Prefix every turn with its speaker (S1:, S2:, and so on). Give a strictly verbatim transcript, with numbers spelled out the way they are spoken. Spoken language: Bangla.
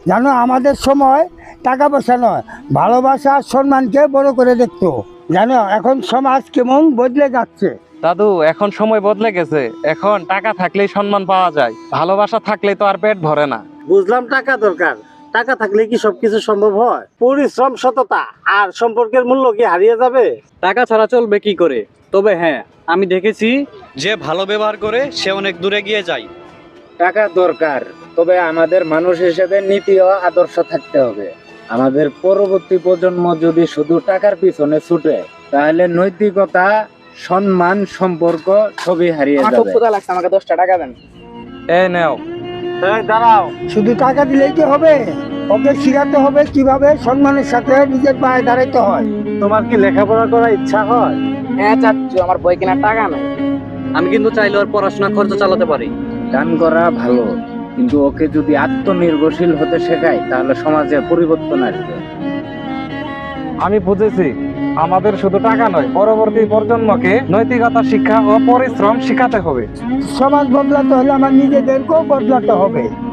S1: জানো আমাদের সময় টাকা পয়সা নয়, ভালোবাসা আর সম্মানকে বড় করে দেখতো। জানো এখন সমাজ কেমন বদলে যাচ্ছে।
S2: দাদু, এখন সময় বদলে গেছে। এখন টাকা থাকলেই সম্মান পাওয়া যায়, ভালোবাসা থাকলেই তো আর পেট ভরে না।
S3: বুঝলাম টাকা দরকার, টাকা থাকলে কি সবকিছু সম্ভব হয়? পরিশ্রম, সততা আর সম্পর্কের মূল্য কি হারিয়ে যাবে?
S4: টাকা ছাড়া চলবে কি করে? তবে হ্যাঁ, আমি দেখেছি যে ভালো ব্যবহার করে সে অনেক দূরে গিয়ে যায়।
S5: টাকা দরকার, তবে আমাদের মানুষ হিসেবে নীতি ও আদর্শ থাকতে হবে। আমাদের পরবর্তী প্রজন্ম যদি শুধু টাকার পিছনে ছুটে, তাহলে নৈতিকতা, সম্মান, সম্পর্ক সবই হারিয়ে
S6: আমার খুব
S5: যাবে।
S6: ক্ষুধা লাগছে, আমাকে দশটা টাকা দেন।
S2: এই নেও।
S3: এই দাঁড়াও,
S1: শুধু টাকা দিলেই কি হবে? ওকে শিখাতে হবে কিভাবে সম্মানের সাথে নিজের পায়ে দাঁড়াইতে হয়।
S3: তোমার কি লেখাপড়া করার ইচ্ছা হয়?
S6: হ্যাঁ চাচ্ছু, আমার বই কেনার টাকা নাই।
S4: আমি কিন্তু চাইলে ওর পড়াশোনা খরচ চালাতে পারি।
S5: দান করা ভালো, কিন্তু ওকে যদি আত্মনির্ভরশীল হতে শেখায়, তাহলে সমাজে পরিবর্তন আসবে।
S2: আমি বুঝেছি, আমাদের শুধু টাকা নয়, পরবর্তী প্রজন্মকে নৈতিকতা শিক্ষা ও পরিশ্রম শিখাতে হবে।
S1: সমাজ বদলাতে হলে আমার নিজেদেরকেও বদলাতে হবে।